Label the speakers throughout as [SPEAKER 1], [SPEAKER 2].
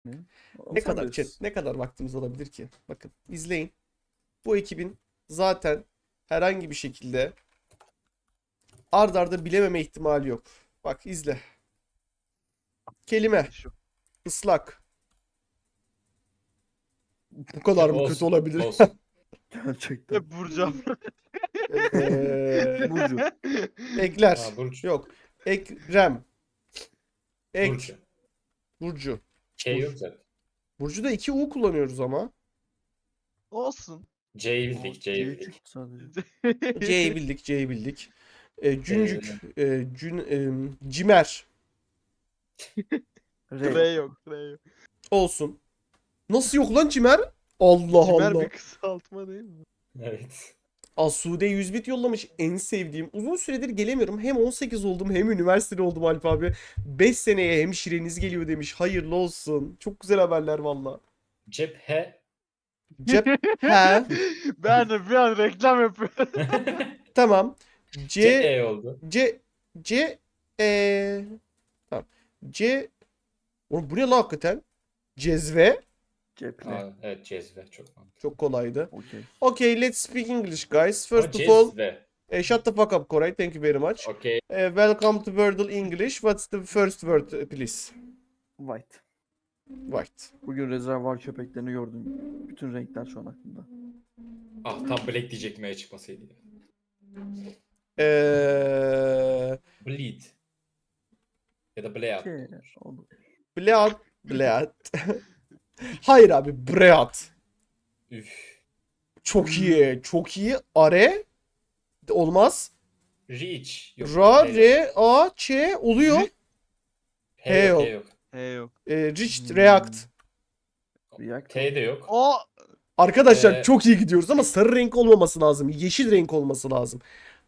[SPEAKER 1] Ne?
[SPEAKER 2] Ne kadar
[SPEAKER 1] Alfabet.
[SPEAKER 2] ne kadar vaktimiz olabilir ki? Bakın izleyin. Bu ekibin zaten herhangi bir şekilde ard arda bilememe ihtimali yok. Bak izle. Kelime.
[SPEAKER 3] Şu.
[SPEAKER 2] Islak. Bu kadar mı kötü
[SPEAKER 4] Olsun.
[SPEAKER 2] olabilir?
[SPEAKER 4] Olsun.
[SPEAKER 1] Gerçekten.
[SPEAKER 3] Hep vuracağım.
[SPEAKER 1] Burcu.
[SPEAKER 2] Ekler.
[SPEAKER 4] Ha, Burcu.
[SPEAKER 2] Yok. Ekrem. Ek.
[SPEAKER 4] Burcu.
[SPEAKER 2] Burcu.
[SPEAKER 4] Şey yok zaten.
[SPEAKER 2] Burcu'da 2 U kullanıyoruz ama.
[SPEAKER 3] Olsun.
[SPEAKER 4] C'yi bildik. C'yi
[SPEAKER 1] C
[SPEAKER 4] bildik.
[SPEAKER 1] çıktı sadece.
[SPEAKER 2] C'yi bildik. C'yi bildik. Cüncük.
[SPEAKER 4] C'yi
[SPEAKER 2] Cimer.
[SPEAKER 1] R.
[SPEAKER 3] R yok. R yok.
[SPEAKER 2] Olsun. Nasıl yok lan Cimer? Allah
[SPEAKER 3] Cimer
[SPEAKER 2] Allah.
[SPEAKER 3] bir kısaltma değil mi?
[SPEAKER 4] Evet.
[SPEAKER 2] Asude 100 bit yollamış. En sevdiğim. Uzun süredir gelemiyorum. Hem 18 oldum hem üniversitede oldum Alp abi. 5 seneye hemşireniz geliyor demiş. Hayırlı olsun. Çok güzel haberler valla.
[SPEAKER 4] Cephe.
[SPEAKER 2] Cep. He.
[SPEAKER 3] Ben de bir an reklam yapıyorum.
[SPEAKER 2] Tamam. C.
[SPEAKER 4] C oldu.
[SPEAKER 2] C. Tamam. C. Oğlum bu ne lan hakikaten? Cezve.
[SPEAKER 1] Ceple.
[SPEAKER 4] Aa, evet cezve çok mantıklı.
[SPEAKER 2] Çok kolaydı.
[SPEAKER 1] Okey.
[SPEAKER 2] Okay, let's speak English guys. First
[SPEAKER 4] Ama
[SPEAKER 2] of all,
[SPEAKER 4] cezve.
[SPEAKER 2] shut the fuck up Koray. Thank you very much.
[SPEAKER 4] Okay.
[SPEAKER 2] Welcome to Wordle English. What's the first word please?
[SPEAKER 1] White.
[SPEAKER 2] White.
[SPEAKER 1] Bugün rezervuar köpeklerini gördüm. Bütün renkler şu an aklımda.
[SPEAKER 4] Ah tam black diyecektim eğer çıkmasaydı. Ya. Bleed. Ya da bleed.
[SPEAKER 1] Okey. Oldu.
[SPEAKER 2] Bleat. Bleat. Hayır abi. Breat.
[SPEAKER 4] Üf.
[SPEAKER 2] Çok iyi. Çok iyi. Are. Olmaz.
[SPEAKER 4] Reach. Yok,
[SPEAKER 2] Ra,
[SPEAKER 4] H yok.
[SPEAKER 2] re, a, ç oluyor.
[SPEAKER 4] H yok.
[SPEAKER 2] H
[SPEAKER 4] H yok.
[SPEAKER 3] He yok.
[SPEAKER 2] Reached, react.
[SPEAKER 1] React.
[SPEAKER 4] T de yok.
[SPEAKER 3] O
[SPEAKER 2] Arkadaşlar çok iyi gidiyoruz ama sarı renk olmaması lazım. Yeşil renk olması lazım.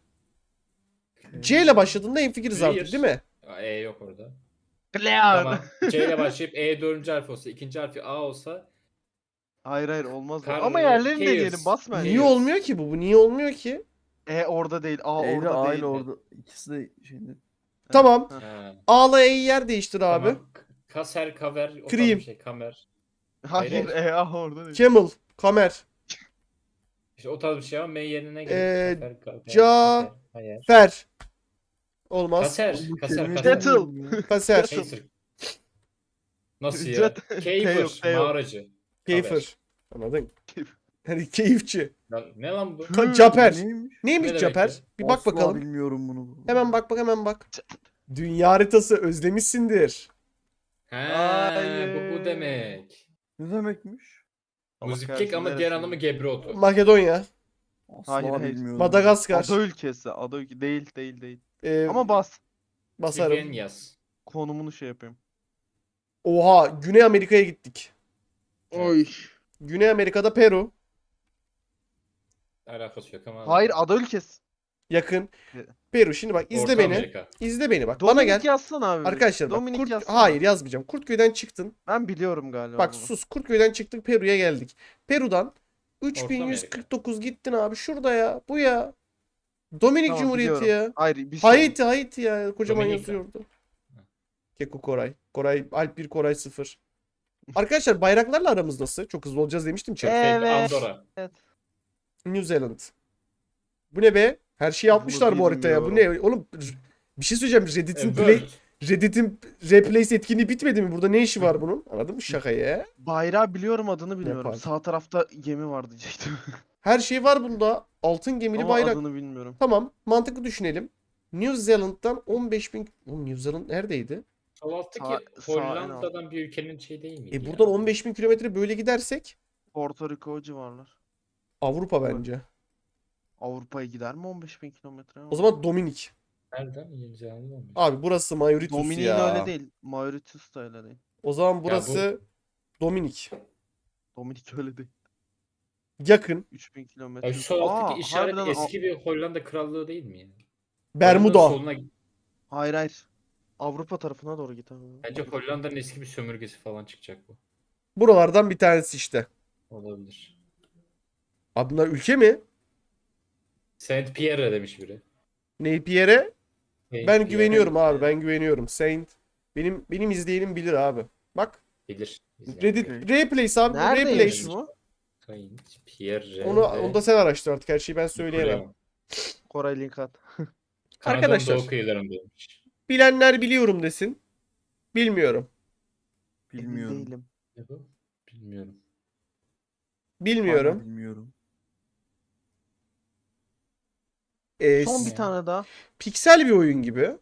[SPEAKER 2] C ile başladığında hemfikiriz artık değil mi?
[SPEAKER 4] E yok orada.
[SPEAKER 3] Clear.
[SPEAKER 4] Tamam. C ile başlayıp E dördüncü harfi olsa, ikinci harfi A olsa
[SPEAKER 3] Hayır olmaz.
[SPEAKER 4] Kar-
[SPEAKER 3] Ama yerlerini de
[SPEAKER 4] Chaos.
[SPEAKER 3] diyelim basma.
[SPEAKER 4] Niye
[SPEAKER 2] Niye
[SPEAKER 4] Chaos.
[SPEAKER 2] olmuyor ki bu? Bu niye olmuyor ki?
[SPEAKER 3] E orada değil. A
[SPEAKER 1] E ile
[SPEAKER 3] orada
[SPEAKER 1] A
[SPEAKER 3] değil.
[SPEAKER 1] ile orada. İkisi de şeyinde.
[SPEAKER 2] Tamam.
[SPEAKER 4] ha,
[SPEAKER 2] A'la E'yi yer değiştir abi.
[SPEAKER 4] tamam. Kaser, kaver, o tarz
[SPEAKER 2] Cream.
[SPEAKER 4] bir şey, kamer.
[SPEAKER 3] Hayır
[SPEAKER 4] Hayır.
[SPEAKER 3] A orada değil.
[SPEAKER 2] Camel. Kamer.
[SPEAKER 4] İşte o tarz bir şey ama M yerine
[SPEAKER 2] Ee,
[SPEAKER 4] gelir. Kafer, kafer,
[SPEAKER 2] ca-
[SPEAKER 4] kafer. Hayır.
[SPEAKER 2] Fer. Olmaz.
[SPEAKER 4] Kaser,
[SPEAKER 1] Bu
[SPEAKER 4] kaser,
[SPEAKER 1] kelimeyi
[SPEAKER 4] kaser.
[SPEAKER 3] Settle.
[SPEAKER 1] bilmiyorum ya.
[SPEAKER 2] Kaser.
[SPEAKER 4] Kaser. Nasıl ya?
[SPEAKER 3] Jet- T yok,
[SPEAKER 4] Keyfer,
[SPEAKER 3] T yok.
[SPEAKER 4] mağaracı.
[SPEAKER 2] Keyfer. Anladın? Hani keyifçi.
[SPEAKER 4] Lan, ne lan bu?
[SPEAKER 2] Caper.
[SPEAKER 1] Neymiş?
[SPEAKER 2] Neymiş
[SPEAKER 4] Ne demek
[SPEAKER 2] Caper?
[SPEAKER 4] ya?
[SPEAKER 2] Bir bak
[SPEAKER 1] Asla
[SPEAKER 2] bakalım.
[SPEAKER 1] bilmiyorum bunu.
[SPEAKER 2] Hemen bak hemen bak. Dünya haritası özlemişsindir.
[SPEAKER 4] He,
[SPEAKER 3] Hayır.
[SPEAKER 4] bu demek.
[SPEAKER 1] Ne demekmiş?
[SPEAKER 3] Allah
[SPEAKER 4] Müziklik
[SPEAKER 3] kahretsin,
[SPEAKER 4] ama diğer
[SPEAKER 3] neresi?
[SPEAKER 4] anlamı gebrotu.
[SPEAKER 2] Makedonya.
[SPEAKER 1] Asla
[SPEAKER 3] Hayır.
[SPEAKER 1] bilmiyorum.
[SPEAKER 2] Madagaskar.
[SPEAKER 3] Ada ülkesi. Ada ülke değil.
[SPEAKER 2] Ee,
[SPEAKER 3] Ama bas.
[SPEAKER 2] basarım.
[SPEAKER 4] Sivyen yaz.
[SPEAKER 3] Konumunu şey yapayım.
[SPEAKER 2] Oha, Güney Amerika'ya gittik.
[SPEAKER 3] Oy.
[SPEAKER 2] Güney Amerika'da Peru.
[SPEAKER 4] Alakası yok ama.
[SPEAKER 3] Hayır ada ülkesi.
[SPEAKER 2] Yakın.
[SPEAKER 3] Evet.
[SPEAKER 2] Peru. Şimdi bak izle
[SPEAKER 4] Orta
[SPEAKER 2] beni.
[SPEAKER 4] Amerika.
[SPEAKER 2] İzle beni bak. Bana
[SPEAKER 3] Dominik
[SPEAKER 2] gel.
[SPEAKER 3] yazsana abi.
[SPEAKER 2] Arkadaşlar bak.
[SPEAKER 3] Dominik yazsana.
[SPEAKER 2] Hayır yazmayacağım. Kurtköy'den çıktın.
[SPEAKER 3] Ben biliyorum galiba.
[SPEAKER 2] Bak
[SPEAKER 3] bunu.
[SPEAKER 2] sus. Kurtköy'den çıktık Peru'ya geldik. Peru'dan
[SPEAKER 4] Amerika.
[SPEAKER 2] 3149 gittin abi. Şurada ya. Bu ya. Dominik
[SPEAKER 3] Tamam,
[SPEAKER 2] Cumhuriyeti
[SPEAKER 3] biliyorum.
[SPEAKER 2] ya.
[SPEAKER 3] Hayır bir şey.
[SPEAKER 2] Haiti ya. Kocaman
[SPEAKER 4] Dominika.
[SPEAKER 2] yazıyordu. Keko Koray. Koray Alp 1 Koray 0. Arkadaşlar bayraklarla aramız nasıl? Çok hızlı olacağız demiştim chat.
[SPEAKER 3] Evet.
[SPEAKER 4] Andorra.
[SPEAKER 2] New Zealand. Bu ne be? Her şeyi
[SPEAKER 3] Bunu
[SPEAKER 2] atmışlar bu haritaya. Bu ne?
[SPEAKER 3] bilmiyorum.
[SPEAKER 2] Oğlum bir şey söyleyeceğim.
[SPEAKER 4] World.
[SPEAKER 2] Reddit'in replace etkinliği bitmedi mi? Burada ne işi var bunun? Anladın mı şakayı ya?
[SPEAKER 3] Bayrağı biliyorum adını bilmiyorum.
[SPEAKER 2] Nepal.
[SPEAKER 3] Sağ tarafta gemi var diyecektim.
[SPEAKER 2] Her şey var bunda. Altın gemili
[SPEAKER 3] Ama
[SPEAKER 2] bayrak.
[SPEAKER 3] adını bilmiyorum.
[SPEAKER 2] Tamam. Mantıklı düşünelim. New Zealand'dan 15.000... Oğlum New Zealand neredeydi?
[SPEAKER 4] Sol alttaki
[SPEAKER 3] Sağ-
[SPEAKER 4] Hollanda'dan bir ülkenin şey değil miydi?
[SPEAKER 2] Buradan 15.000 kilometre böyle gidersek
[SPEAKER 3] Porto Rico o civarlar.
[SPEAKER 2] Avrupa bence.
[SPEAKER 3] Avrupa'ya gider mi 15.000 kilometre?
[SPEAKER 2] O zaman Dominik.
[SPEAKER 4] Nereden? Yeni Zelanda olmuş.
[SPEAKER 2] Abi burası Mauritius
[SPEAKER 3] Dominik'in
[SPEAKER 2] ya.
[SPEAKER 3] öyle değil. Mauritius da öyle değil.
[SPEAKER 2] O zaman burası Dominik.
[SPEAKER 3] Dominik öyle değil.
[SPEAKER 2] Yakın.
[SPEAKER 3] 3000 kilometre.
[SPEAKER 4] Ya şu sol alttaki işaret
[SPEAKER 3] harbiden
[SPEAKER 4] eski bir Hollanda krallığı değil mi yani?
[SPEAKER 2] Bermuda.
[SPEAKER 4] Hollanda'nın soluna,
[SPEAKER 3] Hayır. Avrupa tarafına doğru git abi.
[SPEAKER 4] bence Hollanda'nın eski bir sömürgesi falan çıkacak bu.
[SPEAKER 2] Buralardan bir tanesi işte.
[SPEAKER 4] Olabilir.
[SPEAKER 2] Abi bunlar ülke mi?
[SPEAKER 4] Saint Pierre demiş biri.
[SPEAKER 2] Neypier'e?
[SPEAKER 4] Saint
[SPEAKER 2] Ben
[SPEAKER 4] Pierre.
[SPEAKER 2] güveniyorum abi. Ben güveniyorum. Saint. Benim izleyenim bilir abi. Bak.
[SPEAKER 4] Bilir.
[SPEAKER 2] Reddit Replays abi.
[SPEAKER 3] Neredeymiş
[SPEAKER 2] Replays.
[SPEAKER 3] bu?
[SPEAKER 4] Pierre.
[SPEAKER 2] Onu da sen araştır artık. Her şeyi ben söyleyemem.
[SPEAKER 3] Koray link at.
[SPEAKER 4] Kanada'nın
[SPEAKER 2] Arkadaşlar.
[SPEAKER 4] doğu kıyılarındaymış.
[SPEAKER 2] Bilenler biliyorum desin. Bilmiyorum.
[SPEAKER 3] Emin
[SPEAKER 1] Bilmiyorum.
[SPEAKER 3] değilim.
[SPEAKER 4] Ne bu? Bilmiyorum.
[SPEAKER 2] Bilmiyorum.
[SPEAKER 1] Hala bilmiyorum.
[SPEAKER 3] Son bir tane daha.
[SPEAKER 2] Piksel bir oyun gibi.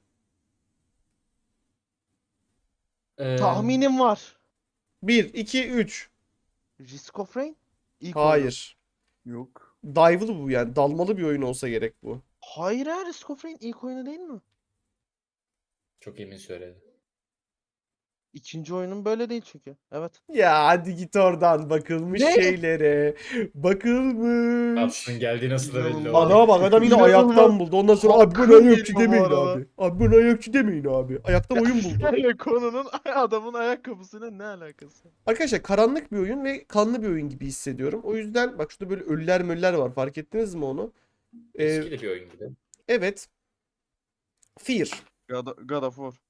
[SPEAKER 3] Tahminim var.
[SPEAKER 2] 1, 2, 3.
[SPEAKER 3] Risk of Rain? İlk oyunu.
[SPEAKER 2] Hayır.
[SPEAKER 1] Yok.
[SPEAKER 2] Dive'lı bu yani. Dalmalı bir oyun olsa gerek bu.
[SPEAKER 3] Hayır ya, Risk of Rain ilk oyunu değil mi?
[SPEAKER 4] Çok emin söyledi.
[SPEAKER 3] İkinci oyunun böyle değil çünkü. Evet.
[SPEAKER 2] Ya hadi git oradan. Bakılmış
[SPEAKER 3] Ne?
[SPEAKER 2] şeylere. Bakılmış.
[SPEAKER 4] Aslında geldiği nasıl da belli
[SPEAKER 3] İnanılmaz.
[SPEAKER 4] oldu.
[SPEAKER 2] Adama bak, adam yine
[SPEAKER 3] İnanılmaz.
[SPEAKER 2] ayaktan buldu. Ondan sonra abi bana
[SPEAKER 3] Hakkım
[SPEAKER 2] ayakçı
[SPEAKER 3] geliyor bu
[SPEAKER 2] demeyin
[SPEAKER 3] arada.
[SPEAKER 2] abi. Abi bana ayakçı demeyin abi. Ayaktan oyun buldu.
[SPEAKER 3] Yani konunun adamın ayakkabısıyla ne alakası?
[SPEAKER 2] Arkadaşlar karanlık bir oyun ve kanlı bir oyun gibi hissediyorum. O yüzden bak şurada böyle ölüler möller var. Fark ettiniz mi onu?
[SPEAKER 4] Eski de bir oyun gibi.
[SPEAKER 2] Evet. Fear.
[SPEAKER 3] God of War.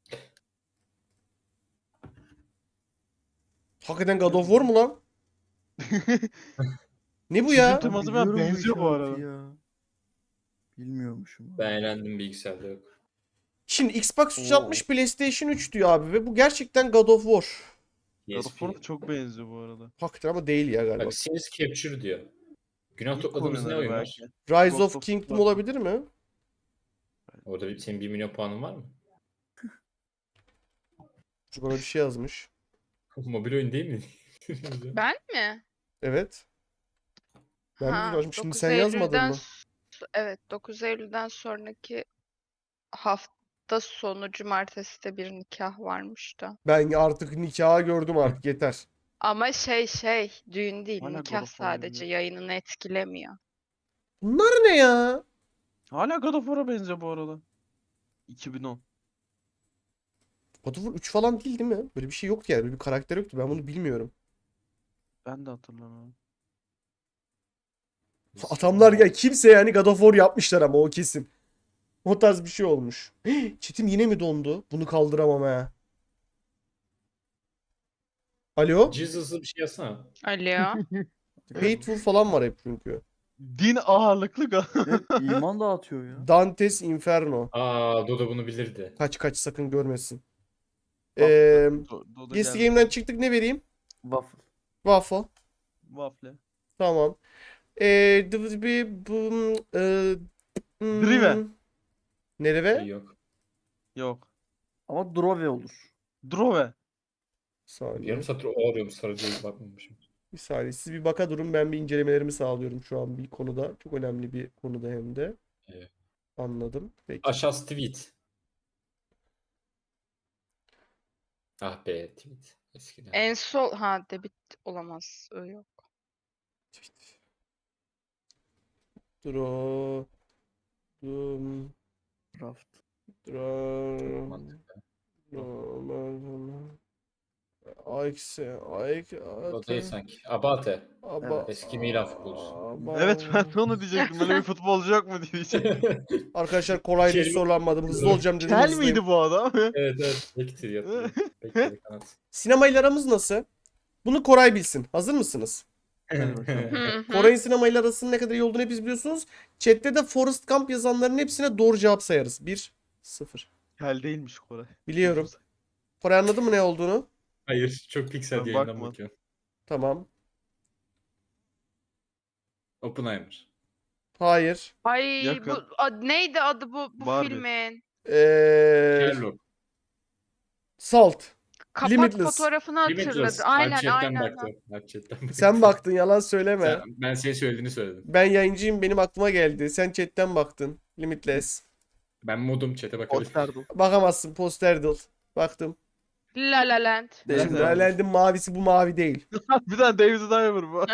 [SPEAKER 2] Hakikaten God of War mu lan? Ne bu ya?
[SPEAKER 3] Çizim teması ben
[SPEAKER 1] Biliyorum
[SPEAKER 3] benziyor bu
[SPEAKER 1] işareti
[SPEAKER 3] arada.
[SPEAKER 1] ya. Bilmiyormuşum.
[SPEAKER 4] Ben eğlendim, bilgisayarda yok.
[SPEAKER 2] Şimdi Xbox 360 PlayStation 3 diyor abi ve bu gerçekten God of War.
[SPEAKER 3] God of
[SPEAKER 4] PSP.
[SPEAKER 3] War çok benziyor bu arada.
[SPEAKER 2] Hakikaten ama değil ya galiba.
[SPEAKER 4] Bak Scenes Capture diyor. Günah
[SPEAKER 3] İlk
[SPEAKER 4] topladığımız ne
[SPEAKER 3] oyunları
[SPEAKER 4] oyun var?
[SPEAKER 3] belki.
[SPEAKER 2] Rise
[SPEAKER 3] Ghost
[SPEAKER 2] of
[SPEAKER 3] of
[SPEAKER 2] Kingdom
[SPEAKER 3] Tsushima.
[SPEAKER 2] olabilir mi?
[SPEAKER 4] Orada senin 1 milyon puanın var mı?
[SPEAKER 2] Çünkü bana bir şey yazmış.
[SPEAKER 4] Mobil oyun değil mi?
[SPEAKER 5] Ben mi?
[SPEAKER 2] Evet. Ben
[SPEAKER 5] Ha,
[SPEAKER 2] bilmiyorum. Şimdi
[SPEAKER 5] 9
[SPEAKER 2] sen yazmadın
[SPEAKER 5] Eylül'den
[SPEAKER 2] mı?
[SPEAKER 5] Evet, 9 Eylül'den sonraki hafta sonu cumartesi de bir nikah varmış da.
[SPEAKER 2] Ben artık nikahı gördüm artık yeter.
[SPEAKER 5] Ama düğün değil,
[SPEAKER 3] Hala God
[SPEAKER 5] nikah
[SPEAKER 3] of War
[SPEAKER 5] sadece yayınını etkilemiyor.
[SPEAKER 2] Bunlar ne ya?
[SPEAKER 3] Hala God of War'a benziyor bu arada. 2010.
[SPEAKER 2] God of War 3 falan değil mi? Böyle bir şey yoktu yani. Böyle bir karakter yoktu. Ben bunu bilmiyorum.
[SPEAKER 3] Ben de hatırlamıyorum.
[SPEAKER 2] Adamlar ya kimse yani God of War yapmışlar ama o kesin. O tarz bir şey olmuş. Çetim yine mi dondu? Bunu kaldıramam ha. Alo?
[SPEAKER 4] Jesus'lı bir şey yazsana.
[SPEAKER 5] Alo.
[SPEAKER 2] Hateful falan var hep çünkü.
[SPEAKER 3] Din ağırlıklı God.
[SPEAKER 1] Evet, iman dağıtıyor ya.
[SPEAKER 2] Dante's Inferno.
[SPEAKER 4] Aa, Dodo bunu bilirdi.
[SPEAKER 2] Kaç sakın görmesin.
[SPEAKER 3] Dodo
[SPEAKER 2] Guessing
[SPEAKER 3] geldi.
[SPEAKER 2] Game'den çıktık, ne vereyim?
[SPEAKER 1] Waffle.
[SPEAKER 2] Waffle.
[SPEAKER 3] Waffle.
[SPEAKER 2] Tamam.
[SPEAKER 3] Drive.
[SPEAKER 2] Nereve?
[SPEAKER 4] Yok.
[SPEAKER 3] Yok.
[SPEAKER 1] Ama Drove olur.
[SPEAKER 3] Drove.
[SPEAKER 2] Saniye.
[SPEAKER 4] Yarım satır o arıyorum, sarı değil, bakmamışım.
[SPEAKER 2] Bir saniye. Siz bir baka durun. Ben bir incelemelerimi sağlıyorum şu an bir konuda. Çok önemli bir konuda hem de.
[SPEAKER 4] Evet.
[SPEAKER 2] Anladım. Peki.
[SPEAKER 4] Aşağısı tweet. Ah be, tweet. Eskiden.
[SPEAKER 5] En sol debit olamaz. Öyle yok.
[SPEAKER 2] Dro. Dum.
[SPEAKER 1] Raft.
[SPEAKER 2] Dro.
[SPEAKER 4] Mantıklı. O değil sanki. Abate. Eski Milan futbolcusu.
[SPEAKER 3] Evet, ben de onu diyecektim. Böyle bir futbolcu yok mu diyecektim.
[SPEAKER 2] Arkadaşlar kolay değil,
[SPEAKER 4] Kelime-
[SPEAKER 2] sorulanmadım. Hızlı olacağım dedim.
[SPEAKER 3] Kel
[SPEAKER 2] hızlıyım.
[SPEAKER 3] miydi bu adam?
[SPEAKER 4] Evet. Bektir yapıyor. Bektir kanat.
[SPEAKER 2] Sinemayla aramız nasıl? Bunu Koray bilsin. Hazır mısınız?
[SPEAKER 1] Hadi bakalım.
[SPEAKER 5] Hı hı.
[SPEAKER 2] Koray'ın sinemayla arasının ne kadar iyi olduğunu hepiniz biliyorsunuz. Chat'te de Forrest Gump yazanların hepsine doğru cevap sayarız. 1-0.
[SPEAKER 3] Kel değilmiş Koray.
[SPEAKER 2] Biliyorum. Koray anladın mı ne olduğunu?
[SPEAKER 4] Hayır, çok piksel
[SPEAKER 3] Ben
[SPEAKER 4] yayından
[SPEAKER 3] bakma.
[SPEAKER 4] bakıyorum.
[SPEAKER 2] Tamam.
[SPEAKER 4] Oppenheimer.
[SPEAKER 2] Hayır.
[SPEAKER 5] Ay
[SPEAKER 3] Yakın.
[SPEAKER 5] neydi adı bu
[SPEAKER 3] Barbie.
[SPEAKER 5] filmin?
[SPEAKER 4] Sherlock.
[SPEAKER 2] Salt.
[SPEAKER 5] Kapak
[SPEAKER 2] Limitless.
[SPEAKER 5] fotoğrafını hatırladı.
[SPEAKER 4] Limitless.
[SPEAKER 5] Aynen
[SPEAKER 4] Chatten
[SPEAKER 5] aynen.
[SPEAKER 4] baktım. Chatten baktım.
[SPEAKER 2] Sen baktın, yalan söyleme.
[SPEAKER 4] Ben senin söylediğini söyledim.
[SPEAKER 2] Ben yayıncıyım, benim aklıma geldi. Sen chat'ten baktın. Limitless.
[SPEAKER 4] Ben modum, chat'e bakabilirim.
[SPEAKER 3] Posterdim.
[SPEAKER 2] Bakamazsın, Posterdal. Baktım.
[SPEAKER 5] La La Land.
[SPEAKER 1] Değil.
[SPEAKER 2] Şimdi
[SPEAKER 1] Evet.
[SPEAKER 2] Erlend'in mavisi bu mavi değil.
[SPEAKER 3] Bir tane David Diver bu.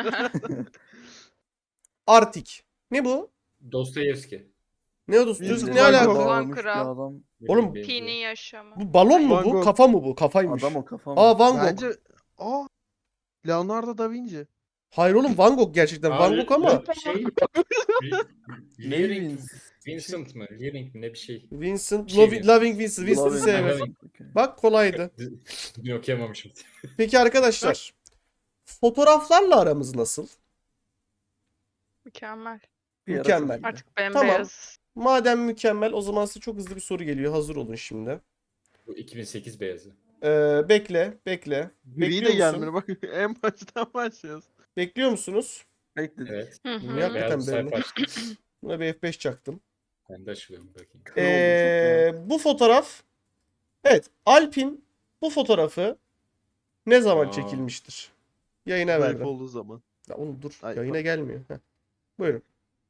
[SPEAKER 2] Arctic. Ne bu?
[SPEAKER 4] Dostoyevski.
[SPEAKER 2] Ne o dostum?
[SPEAKER 3] Bilmiyorum.
[SPEAKER 2] Ne
[SPEAKER 3] Van
[SPEAKER 2] alaka?
[SPEAKER 3] Gogh.
[SPEAKER 1] Dağılmış bir
[SPEAKER 5] Kral.
[SPEAKER 1] adam.
[SPEAKER 2] Oğlum,
[SPEAKER 5] Pi'nin yaşamı.
[SPEAKER 2] Bu balon mu
[SPEAKER 3] Van
[SPEAKER 2] bu?
[SPEAKER 3] Gogh.
[SPEAKER 2] Kafa mı bu? Kafaymış.
[SPEAKER 1] Adam o kafam.
[SPEAKER 2] Aa, Van Gogh.
[SPEAKER 3] Bence... Aa. Leonardo da Vinci.
[SPEAKER 2] Hayır oğlum, Van Gogh gerçekten. Van Gogh ama.
[SPEAKER 4] Şey... Leering
[SPEAKER 1] Levins.
[SPEAKER 4] Vincent mı? Living mi? Ne bir şey.
[SPEAKER 2] Vincent,
[SPEAKER 4] Şey mi?
[SPEAKER 2] Loving Vincent. Vincent'ı
[SPEAKER 1] Loving
[SPEAKER 2] sevmem.
[SPEAKER 1] Vincent, okey.
[SPEAKER 2] Bak kolaydı.
[SPEAKER 4] Dün okuyamamışım.
[SPEAKER 2] Peki arkadaşlar. Fotoğraflarla aramız nasıl?
[SPEAKER 5] Mükemmel.
[SPEAKER 1] Bir ara
[SPEAKER 2] Mükemmel.
[SPEAKER 1] çok iyi.
[SPEAKER 5] Artık bembeyaz.
[SPEAKER 2] Madem mükemmel, o zaman size çok hızlı bir soru geliyor. Hazır olun şimdi.
[SPEAKER 4] Bu 2008 beyazı.
[SPEAKER 2] Bekle.
[SPEAKER 6] Gri
[SPEAKER 2] Bekliyor
[SPEAKER 6] de
[SPEAKER 2] musun?
[SPEAKER 6] gelmiyor. Bak en baştan başlıyoruz.
[SPEAKER 2] Bekliyor musunuz?
[SPEAKER 1] Bekledik.
[SPEAKER 4] Evet.
[SPEAKER 5] Hı
[SPEAKER 2] Bunu
[SPEAKER 5] hı.
[SPEAKER 2] yap.
[SPEAKER 4] Beyaz bir sayfa
[SPEAKER 2] Hakikaten
[SPEAKER 4] açtım.
[SPEAKER 2] Buna bir F5 çaktım.
[SPEAKER 4] Ben de açılıyorum bakayım.
[SPEAKER 1] Kör oldum çok ya.
[SPEAKER 2] Bu fotoğraf, evet, Alp'in bu fotoğrafı ne zaman
[SPEAKER 4] Aa.
[SPEAKER 2] çekilmiştir? Yayına
[SPEAKER 6] Zayıf
[SPEAKER 2] verdim.
[SPEAKER 6] olduğu zaman.
[SPEAKER 2] Ya oğlum dur,
[SPEAKER 6] Ay,
[SPEAKER 2] yayına
[SPEAKER 6] pardon.
[SPEAKER 2] gelmiyor. Heh. Buyurun.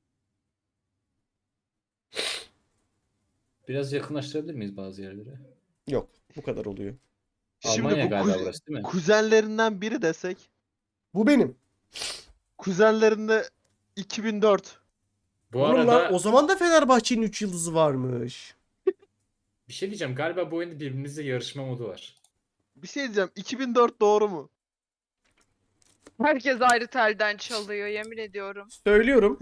[SPEAKER 4] Biraz yakınlaştırabilir miyiz bazı yerlere?
[SPEAKER 2] Yok, bu kadar oluyor.
[SPEAKER 6] Şimdi
[SPEAKER 4] Almanya
[SPEAKER 6] bu
[SPEAKER 4] galiba burası değil mi?
[SPEAKER 6] kuzenlerinden biri desek.
[SPEAKER 2] Bu benim.
[SPEAKER 6] Kuzenlerinde 2004.
[SPEAKER 4] Bu
[SPEAKER 2] Oğlum
[SPEAKER 4] arada
[SPEAKER 2] lan, o zaman da Fenerbahçe'nin 3 yıldızı varmış.
[SPEAKER 4] bir şey diyeceğim. Galiba bu oyunda birbirimizle yarışma modu var.
[SPEAKER 6] Bir şey diyeceğim. 2004 doğru mu?
[SPEAKER 5] Herkes ayrı telden çalıyor yemin ediyorum.
[SPEAKER 2] Söylüyorum.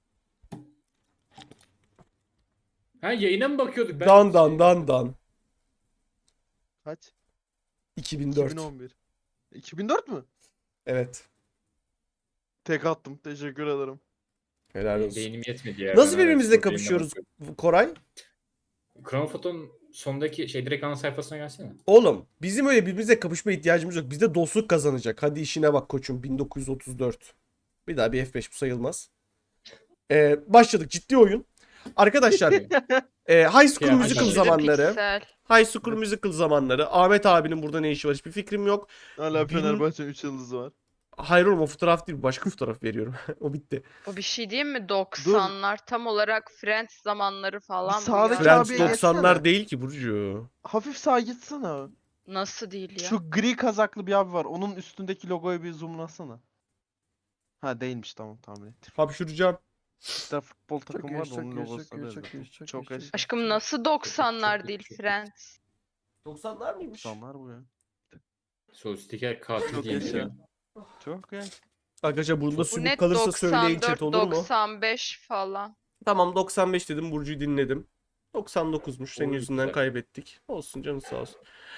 [SPEAKER 4] Ha yayına mı bakıyorduk? Ben
[SPEAKER 2] Dan.
[SPEAKER 6] Kaç?
[SPEAKER 2] 2004.
[SPEAKER 6] 2011. 2004 mü?
[SPEAKER 2] Evet.
[SPEAKER 6] Tek attım. Teşekkür ederim.
[SPEAKER 2] Helal olsun.
[SPEAKER 4] Beynim yetmedi ya.
[SPEAKER 2] Nasıl
[SPEAKER 4] Ben hala
[SPEAKER 2] birbirimizle
[SPEAKER 4] Discord yayınına
[SPEAKER 2] kapışıyoruz
[SPEAKER 4] bakıyorum.
[SPEAKER 2] Koray?
[SPEAKER 4] Chronofoto'nun sondaki şey direkt ana sayfasına gelsene.
[SPEAKER 2] Oğlum bizim öyle birbirimize kapışma ihtiyacımız yok. Bizde dostluk kazanacak. Hadi işine bak koçum. 1934. Bir daha bir F5 bu sayılmaz. Başladık ciddi oyun. Arkadaşlar High School
[SPEAKER 4] Ya,
[SPEAKER 2] Musical
[SPEAKER 4] aşırı
[SPEAKER 2] zamanları.
[SPEAKER 5] Piksel.
[SPEAKER 2] High School Musical zamanları. Ahmet abinin burada ne işi var hiçbir fikrim yok.
[SPEAKER 6] Hala
[SPEAKER 2] Bin-
[SPEAKER 6] Fenerbahçe'nin 3 yıldızı var.
[SPEAKER 2] Hayır oğlum o fotoğraf değil. Başka fotoğraf veriyorum. O bitti.
[SPEAKER 5] O bir şey diyeyim mi? 90'lar tam olarak Friends zamanları falan bu
[SPEAKER 6] sağdaki
[SPEAKER 5] ya.
[SPEAKER 2] Friends
[SPEAKER 6] abiye
[SPEAKER 2] 90'lar
[SPEAKER 6] geçsene.
[SPEAKER 2] değil ki Burcu.
[SPEAKER 6] Hafif sağa gitsene.
[SPEAKER 5] Nasıl değil ya?
[SPEAKER 6] Şu gri kazaklı bir abi var. Onun üstündeki logoyu bir zoomlasana. Ha değilmiş, tamam tahmin ettim.
[SPEAKER 2] Hapşuracağım.
[SPEAKER 6] Bir tane futbol
[SPEAKER 1] Çok
[SPEAKER 6] takımı
[SPEAKER 1] iyi,
[SPEAKER 6] var da
[SPEAKER 1] çok
[SPEAKER 6] onun
[SPEAKER 1] iyi, çok
[SPEAKER 6] logosuna
[SPEAKER 1] iyi,
[SPEAKER 6] benziyor.
[SPEAKER 1] çok iyi, çok
[SPEAKER 6] Çok
[SPEAKER 1] iyi,
[SPEAKER 6] eş-
[SPEAKER 1] çok iyi.
[SPEAKER 5] Aşkım nasıl 90'lar
[SPEAKER 4] çok-
[SPEAKER 5] değil
[SPEAKER 4] çok-
[SPEAKER 5] Friends?
[SPEAKER 2] 90'lar mıymış?
[SPEAKER 6] Tamlar bu ya.
[SPEAKER 4] Sosyetik katil
[SPEAKER 6] Çok
[SPEAKER 4] diye
[SPEAKER 6] yaşa.
[SPEAKER 4] biliyor.
[SPEAKER 6] Çok ya.
[SPEAKER 2] Arkadaşlar bunda
[SPEAKER 5] Bu
[SPEAKER 2] sümük
[SPEAKER 5] net
[SPEAKER 2] kalırsa söyleyin
[SPEAKER 5] 94,
[SPEAKER 2] chat olur mu?
[SPEAKER 5] 95 falan.
[SPEAKER 2] Tamam 95 dedim, Burcu'yu dinledim. 99'muş, senin
[SPEAKER 4] Oy,
[SPEAKER 2] yüzünden
[SPEAKER 4] güzel.
[SPEAKER 2] kaybettik. Olsun canım sağ olsun.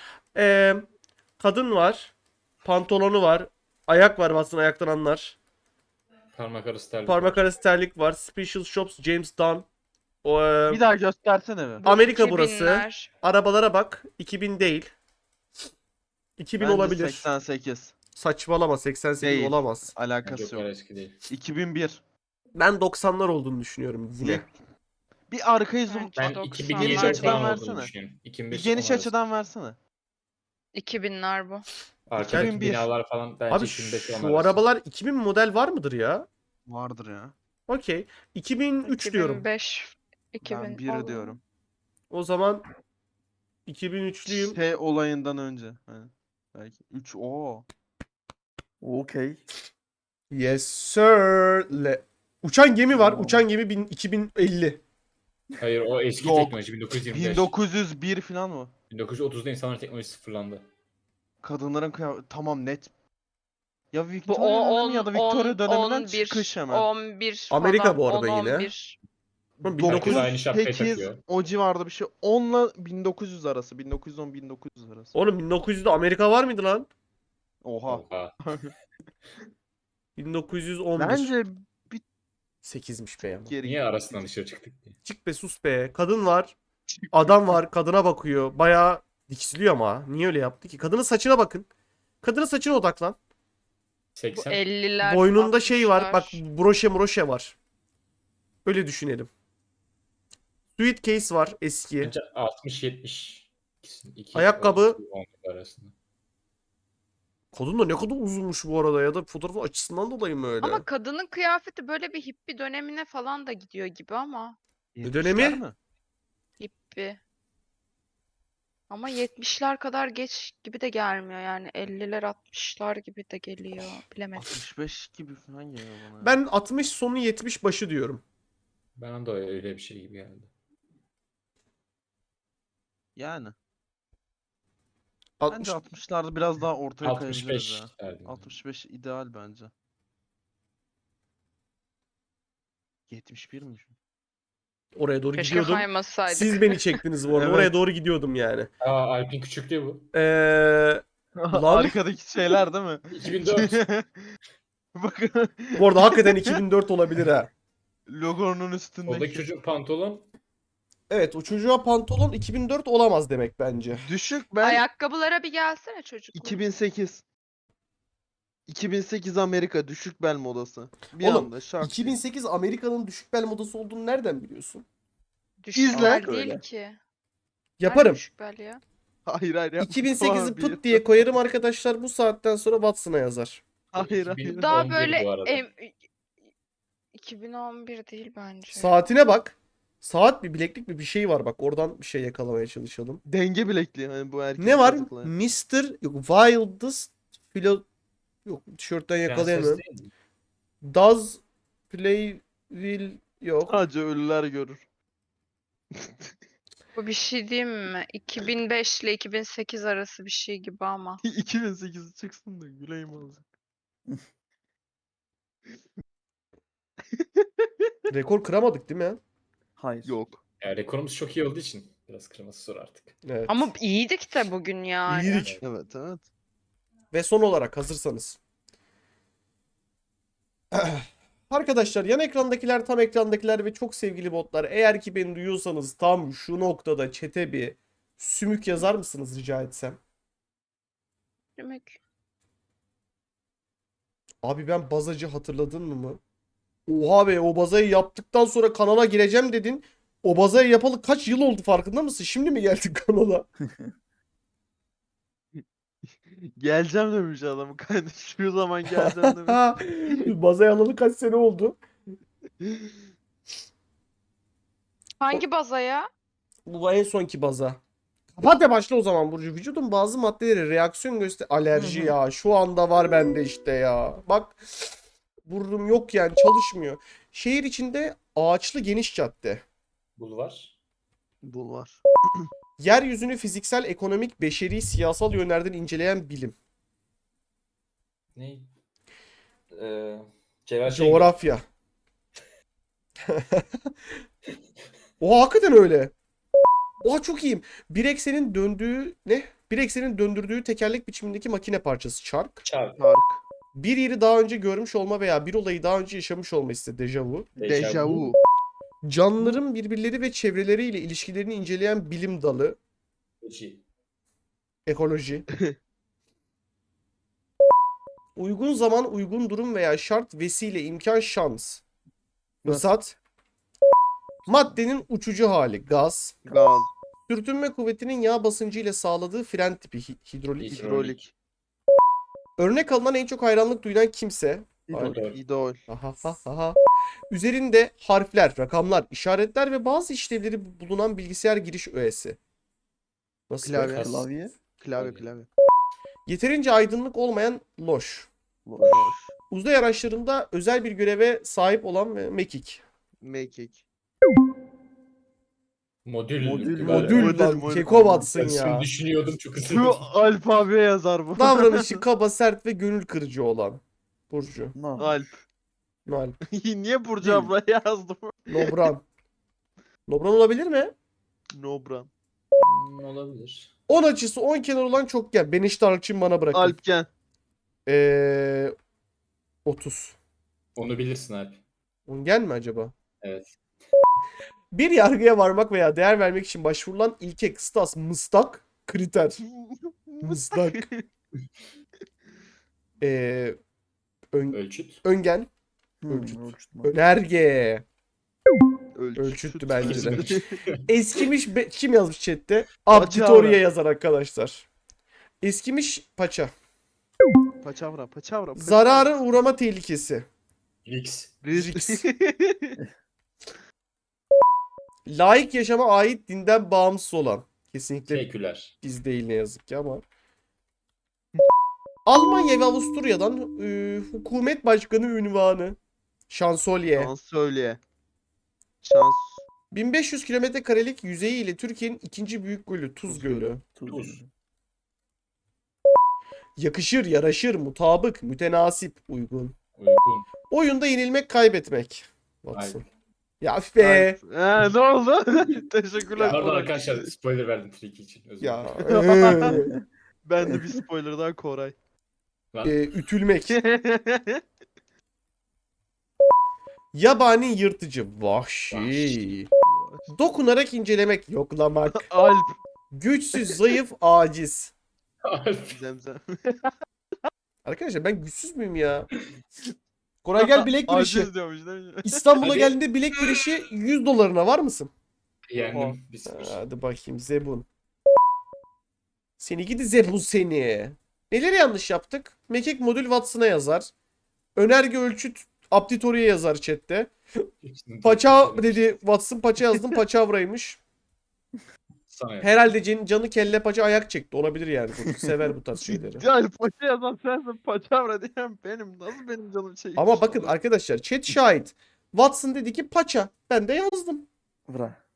[SPEAKER 2] Kadın var. Pantolonu var. Ayak var, bassın ayaktan anlar.
[SPEAKER 4] Parmak arası terlik.
[SPEAKER 2] Parmak arası terlik var. Special Shops James Dunn. O,
[SPEAKER 6] Bir daha göstersene be.
[SPEAKER 2] Amerika burası.
[SPEAKER 5] 2000'ler.
[SPEAKER 2] Arabalara bak. 2000 değil. 2000
[SPEAKER 6] Bence
[SPEAKER 2] olabilir.
[SPEAKER 6] 88.
[SPEAKER 2] Saçmalama, 88
[SPEAKER 6] Değil.
[SPEAKER 2] olamaz.
[SPEAKER 6] Alakası
[SPEAKER 4] Çok
[SPEAKER 6] yok.
[SPEAKER 4] eski değil.
[SPEAKER 6] 2001.
[SPEAKER 2] Ben 90'lar olduğunu düşünüyorum yine.
[SPEAKER 6] Bir arkayı zoom.
[SPEAKER 5] Bence
[SPEAKER 4] Ben
[SPEAKER 5] 90'lar
[SPEAKER 4] 2007
[SPEAKER 6] Geniş
[SPEAKER 5] değil.
[SPEAKER 6] açıdan
[SPEAKER 4] falan olduğunu
[SPEAKER 6] versene.
[SPEAKER 4] düşünüyorum.
[SPEAKER 6] Bir
[SPEAKER 4] 2005
[SPEAKER 6] geniş
[SPEAKER 4] falan
[SPEAKER 6] açıdan versene.
[SPEAKER 5] 2000'ler bu.
[SPEAKER 4] Arkadaki
[SPEAKER 6] 2001.
[SPEAKER 4] binalar falan bence
[SPEAKER 2] Abi
[SPEAKER 4] 2005
[SPEAKER 2] şu arabalar 2000 model var mıdır ya?
[SPEAKER 6] Vardır ya.
[SPEAKER 2] Okey. 2003 diyorum.
[SPEAKER 5] 2005,
[SPEAKER 6] Ben
[SPEAKER 5] 2000
[SPEAKER 6] 1
[SPEAKER 5] olur.
[SPEAKER 6] diyorum.
[SPEAKER 2] O zaman 2003'lüyüm.
[SPEAKER 6] Şey olayından önce. Hani belki 3
[SPEAKER 1] Okey.
[SPEAKER 2] Yes sir. Uçan gemi var.
[SPEAKER 6] Oo.
[SPEAKER 2] Uçan gemi 2050.
[SPEAKER 4] Hayır o eski
[SPEAKER 6] Yok.
[SPEAKER 4] teknoloji 1925.
[SPEAKER 6] 1901 falan mı?
[SPEAKER 4] 1930'da insanların teknolojisi sıfırlandı.
[SPEAKER 6] Kadınların kıyafeti tamam net. Ya
[SPEAKER 5] Bu
[SPEAKER 6] Victoria dönemi ya da Victoria döneminden
[SPEAKER 5] 11,
[SPEAKER 6] çıkış hemen.
[SPEAKER 5] 11
[SPEAKER 2] Amerika
[SPEAKER 5] falan,
[SPEAKER 2] bu arada
[SPEAKER 5] 10,
[SPEAKER 2] yine.
[SPEAKER 5] 11.
[SPEAKER 2] Oğlum
[SPEAKER 4] Herkes
[SPEAKER 2] 1900
[SPEAKER 4] aynı şapkayı
[SPEAKER 6] 8
[SPEAKER 4] takıyor.
[SPEAKER 6] o civarda bir şey. 10 ile 1900 arası. 1910-1900 arası.
[SPEAKER 2] Oğlum 1900'de Amerika var mıydı lan?
[SPEAKER 6] Oha.
[SPEAKER 4] Oha.
[SPEAKER 2] 1911.
[SPEAKER 6] Bence
[SPEAKER 2] 8'miş be ama.
[SPEAKER 6] geri
[SPEAKER 4] Niye arasından dışarı çıktık diye.
[SPEAKER 2] Çık be sus be. Kadın var. Adam var. Kadına bakıyor. Bayağı diksiliyor ama. Niye öyle yaptı ki? Kadının saçına bakın. Kadının saçına odaklan.
[SPEAKER 5] Bu
[SPEAKER 4] 80.
[SPEAKER 5] 50'ler,
[SPEAKER 2] Boynunda şey var. Bak
[SPEAKER 5] 60'lar.
[SPEAKER 2] broşe var. Öyle düşünelim. Suitcase var eski.
[SPEAKER 4] Bence 60-70.
[SPEAKER 2] Ayakkabı.
[SPEAKER 4] 10 arasında.
[SPEAKER 2] Kadın da ne kadar uzunmuş bu arada ya da fotoğrafın açısından dolayı mı öyle?
[SPEAKER 5] Ama kadının kıyafeti böyle bir hippie dönemine falan da gidiyor gibi ama.
[SPEAKER 2] Ne dönemi?
[SPEAKER 6] 70'ler mi?
[SPEAKER 5] Hippie. Ama 70'ler kadar geç gibi de gelmiyor yani 50'ler 60'lar gibi de geliyor. Bilemedim.
[SPEAKER 6] 65 gibi falan geliyor bana. ya.
[SPEAKER 2] Ben 60 sonu 70 başı diyorum.
[SPEAKER 4] Bana da öyle bir şey gibi geldi.
[SPEAKER 6] Yani.
[SPEAKER 2] 60
[SPEAKER 6] Bence 60'larda biraz daha ortaya kayabiliriz
[SPEAKER 4] 65
[SPEAKER 6] ya.
[SPEAKER 4] derdim.
[SPEAKER 6] 65 ideal bence. 71 mi?
[SPEAKER 2] Oraya doğru
[SPEAKER 5] Keşke
[SPEAKER 2] gidiyordum.
[SPEAKER 5] kaymasaydık.
[SPEAKER 2] Siz beni çektiniz bu arada.
[SPEAKER 6] Evet.
[SPEAKER 2] Oraya doğru gidiyordum yani.
[SPEAKER 4] Aa, Alp'in küçüklüğü bu.
[SPEAKER 2] Lan.
[SPEAKER 6] Arkadaki şeyler değil mi?
[SPEAKER 4] 2004.
[SPEAKER 6] Bakın
[SPEAKER 2] Bu arada hakikaten 2004 olabilir ha.
[SPEAKER 6] logonun
[SPEAKER 4] Soldaki
[SPEAKER 6] üstündeki.
[SPEAKER 4] çocuğun pantolon.
[SPEAKER 2] Evet, o çocuğa pantolon 2004 olamaz demek bence.
[SPEAKER 6] Düşük ben
[SPEAKER 5] Ayakkabılara bir gelsene çocuk.
[SPEAKER 6] 2008. 2008 Amerika düşük bel modası. Bir
[SPEAKER 2] Oğlum,
[SPEAKER 6] anda şak.
[SPEAKER 2] 2008 Amerika'nın düşük bel modası olduğunu nereden biliyorsun?
[SPEAKER 5] Düşük
[SPEAKER 6] İzle.
[SPEAKER 5] bel değil
[SPEAKER 1] Öyle.
[SPEAKER 5] ki. Nerede
[SPEAKER 2] Yaparım.
[SPEAKER 5] düşük bel ya?
[SPEAKER 6] Hayır hayır yapma.
[SPEAKER 2] 2008'i
[SPEAKER 6] Tamam,
[SPEAKER 2] pıt diye koyarım arkadaşlar. Bu saatten sonra Watson'a yazar.
[SPEAKER 6] Hayır hayır.
[SPEAKER 4] 2011
[SPEAKER 5] Daha
[SPEAKER 4] bu
[SPEAKER 5] böyle
[SPEAKER 4] arada.
[SPEAKER 5] 2011 değil bence.
[SPEAKER 2] Saatine bak. Saat bir bileklik bir şey var bak. Oradan bir şey yakalamaya çalışalım.
[SPEAKER 6] Denge bilekliği hani bu erkek
[SPEAKER 2] Ne var?
[SPEAKER 6] çocuklar.
[SPEAKER 2] Mr. Yok, Wildest Philo... Yok, tişörtten
[SPEAKER 4] Prenses
[SPEAKER 2] yakalayamıyorum.
[SPEAKER 4] değil mi?
[SPEAKER 2] Does play will... Yok.
[SPEAKER 6] Sadece ölüler görür.
[SPEAKER 5] Bu bir şey diyeyim mi? 2005 ile 2008 arası bir şey gibi ama.
[SPEAKER 6] 2008 çıksın da güleyim azıcık.
[SPEAKER 2] Rekor kıramadık değil mi?
[SPEAKER 1] Hayır.
[SPEAKER 6] Yok.
[SPEAKER 4] Ya, rekorumuz çok iyi olduğu için biraz kırması zor artık.
[SPEAKER 2] Evet.
[SPEAKER 5] Ama iyiydik de bugün yani.
[SPEAKER 2] İyiydik.
[SPEAKER 6] Evet evet.
[SPEAKER 2] Ve son olarak hazırsanız. Arkadaşlar, yan ekrandakiler, tam ekrandakiler ve çok sevgili botlar, eğer ki beni duyuyorsanız tam şu noktada chat'e bir sümük yazar mısınız rica etsem?
[SPEAKER 5] Demek.
[SPEAKER 2] Abi ben bazacı, hatırladın mı? Oha be, o bazayı yaptıktan sonra kanala gireceğim dedin. O bazayı yapalı kaç yıl oldu, farkında mısın? Şimdi mi geldin kanala?
[SPEAKER 6] Geleceğim demiş adam. Kardeş şu zaman geleceğim demiş.
[SPEAKER 2] Bazayı alalı kaç sene oldu?
[SPEAKER 5] Hangi bazaya?
[SPEAKER 2] Bu en sonki baza. Kapat ve başla o zaman Burcu. Vücudun bazı maddeleri reaksiyon göster... Alerji ya. Şu anda var bende işte ya. Bak. Burnum yok yani, çalışmıyor. Şehir içinde ağaçlı geniş cadde.
[SPEAKER 4] Bulvar.
[SPEAKER 6] Bulvar.
[SPEAKER 2] Yeryüzünü fiziksel, ekonomik, beşeri, siyasal yönlerden inceleyen bilim.
[SPEAKER 4] Ne? Celal Şengör.
[SPEAKER 2] Coğrafya. Oha, hakikaten öyle. Oha, çok iyiyim. Bir eksenin döndüğü ne? Bir eksenin döndürdüğü tekerlek biçimindeki makine parçası çark.
[SPEAKER 4] Çark.
[SPEAKER 6] Park.
[SPEAKER 2] Bir yeri daha önce görmüş olma veya bir olayı daha önce yaşamış olma hissi, dejavu.
[SPEAKER 6] Deja vu.
[SPEAKER 2] Canlıların birbirleri ve çevreleriyle ilişkilerini inceleyen bilim dalı.
[SPEAKER 4] Ekoloji.
[SPEAKER 2] Ekoloji. Uygun zaman, uygun durum veya şart, vesile, imkan, şans. Fırsat. Maddenin uçucu hali, gaz.
[SPEAKER 6] Gaz.
[SPEAKER 2] Sürtünme kuvvetinin yağ basıncı ile sağladığı fren tipi, hidrolik.
[SPEAKER 6] Hidrolik.
[SPEAKER 2] Örnek alınan, en çok hayranlık duyulan kimse.
[SPEAKER 1] İdol.
[SPEAKER 6] İdol.
[SPEAKER 2] Aha, ha, ha, ha. Üzerinde harfler, rakamlar, işaretler ve bazı işlevleri bulunan bilgisayar giriş öğesi. Nasıl?
[SPEAKER 6] Klavye.
[SPEAKER 4] Kas.
[SPEAKER 1] Klavye.
[SPEAKER 6] Klavye.
[SPEAKER 2] Yeterince aydınlık olmayan loş.
[SPEAKER 1] Loş.
[SPEAKER 6] Loş.
[SPEAKER 2] Uzay araçlarında özel bir göreve sahip olan ve mekik.
[SPEAKER 6] Mekik.
[SPEAKER 4] Modül.
[SPEAKER 1] Modül.
[SPEAKER 2] Modül
[SPEAKER 6] Modül,
[SPEAKER 2] lan,
[SPEAKER 6] modül.
[SPEAKER 2] keko batsın
[SPEAKER 4] Ben şimdi
[SPEAKER 2] ya.
[SPEAKER 4] düşünüyordum çok
[SPEAKER 6] Şu
[SPEAKER 4] ısındım.
[SPEAKER 6] alfabe yazar bu.
[SPEAKER 2] Davranışı kaba, sert ve gönül kırıcı olan. Burcu.
[SPEAKER 1] No.
[SPEAKER 6] Alp.
[SPEAKER 2] Noel.
[SPEAKER 6] Niye Burcu
[SPEAKER 1] Değil.
[SPEAKER 6] abla yazdım?
[SPEAKER 2] Nobran. Nobran olabilir mi?
[SPEAKER 6] Nobran.
[SPEAKER 4] Olabilir.
[SPEAKER 2] 10 açısı 10 kenar olan çokgen. Ben işte Arçın, bana bırakın.
[SPEAKER 6] Alpken.
[SPEAKER 2] 30.
[SPEAKER 4] Onu bilirsin abi.
[SPEAKER 2] Ongen mi acaba?
[SPEAKER 4] Evet.
[SPEAKER 2] Bir yargıya varmak veya değer vermek için başvurulan ilke, kıstas, mıstak, kriter. Mıstak. Ee,
[SPEAKER 4] Ölçüt.
[SPEAKER 2] öngen,
[SPEAKER 1] Ölçüt.
[SPEAKER 2] önerge.
[SPEAKER 6] Ölçüt.
[SPEAKER 2] Ölçüttü bence de.
[SPEAKER 6] Ölçüt.
[SPEAKER 2] Eskimiş kim yazmış chatte?
[SPEAKER 6] Paçavra.
[SPEAKER 2] Abditorya yazar arkadaşlar. Eskimiş paça.
[SPEAKER 6] Paçavra. Paçavra.
[SPEAKER 2] Zarara uğrama tehlikesi.
[SPEAKER 4] Rix.
[SPEAKER 6] Risk.
[SPEAKER 2] Laik yaşama ait, dinden bağımsız olan. Kesinlikle
[SPEAKER 4] Seküler.
[SPEAKER 2] biz değil ne yazık ki ama. Almanya ve Avusturya'dan hükümet başkanı ünvanı. Şansölye.
[SPEAKER 6] Şansölye. Şans.
[SPEAKER 2] 1500 kilometre karelik yüzeyi ile Türkiye'nin ikinci büyük gölü Tuz
[SPEAKER 6] Tuz
[SPEAKER 2] Gölü.
[SPEAKER 6] Gölü.
[SPEAKER 4] Tuz.
[SPEAKER 2] Yakışır, yaraşır, mutabık, mütenasip, uygun.
[SPEAKER 4] Uygun.
[SPEAKER 2] Oyunda yenilmek, kaybetmek. Watson.
[SPEAKER 4] Aynen.
[SPEAKER 2] Ya üf be.
[SPEAKER 6] Ne oldu? Teşekkürler.
[SPEAKER 4] Pardon
[SPEAKER 6] Koray.
[SPEAKER 4] arkadaşlar spoiler verdim Tricky için. Özür
[SPEAKER 2] Ya.
[SPEAKER 4] dilerim.
[SPEAKER 6] Ben de bir spoiler daha Koray.
[SPEAKER 4] Lan,
[SPEAKER 2] Ütülmek. Yabani yırtıcı. Vahşi. Dokunarak incelemek. Yoklamak.
[SPEAKER 6] Alp.
[SPEAKER 2] Güçsüz, zayıf, aciz.
[SPEAKER 6] Zemzem.
[SPEAKER 2] Arkadaşlar ben güçsüz müyüm ya? Koray gel bilek güreşi.
[SPEAKER 6] Aciz diyormuş değil mi?
[SPEAKER 2] İstanbul'a
[SPEAKER 4] Hadi.
[SPEAKER 2] geldiğinde bilek güreşi 100 dolarına var mısın?
[SPEAKER 4] Yendim. 1-0.
[SPEAKER 2] Hadi bakayım Zebun. Seni gidi Zebun seni. Neleri yanlış yaptık? Mekik modül Watson'a yazar. Önerge ölçüt Aptitory'e yazar chatte. Paça dedi Watson, paça yazdım, paçavraymış.
[SPEAKER 4] Sana yap.
[SPEAKER 2] Herhalde canı kelle paça ayak çekti. Olabilir yani. Bu sever bu tarz şeyleri.
[SPEAKER 6] Yani paça yazan sensin, paçavra diyen benim. Nasıl benim canım çekmiş?
[SPEAKER 2] Ama bakın arkadaşlar chat şahit. Watson dedi ki paça. Ben de yazdım.
[SPEAKER 1] Vra.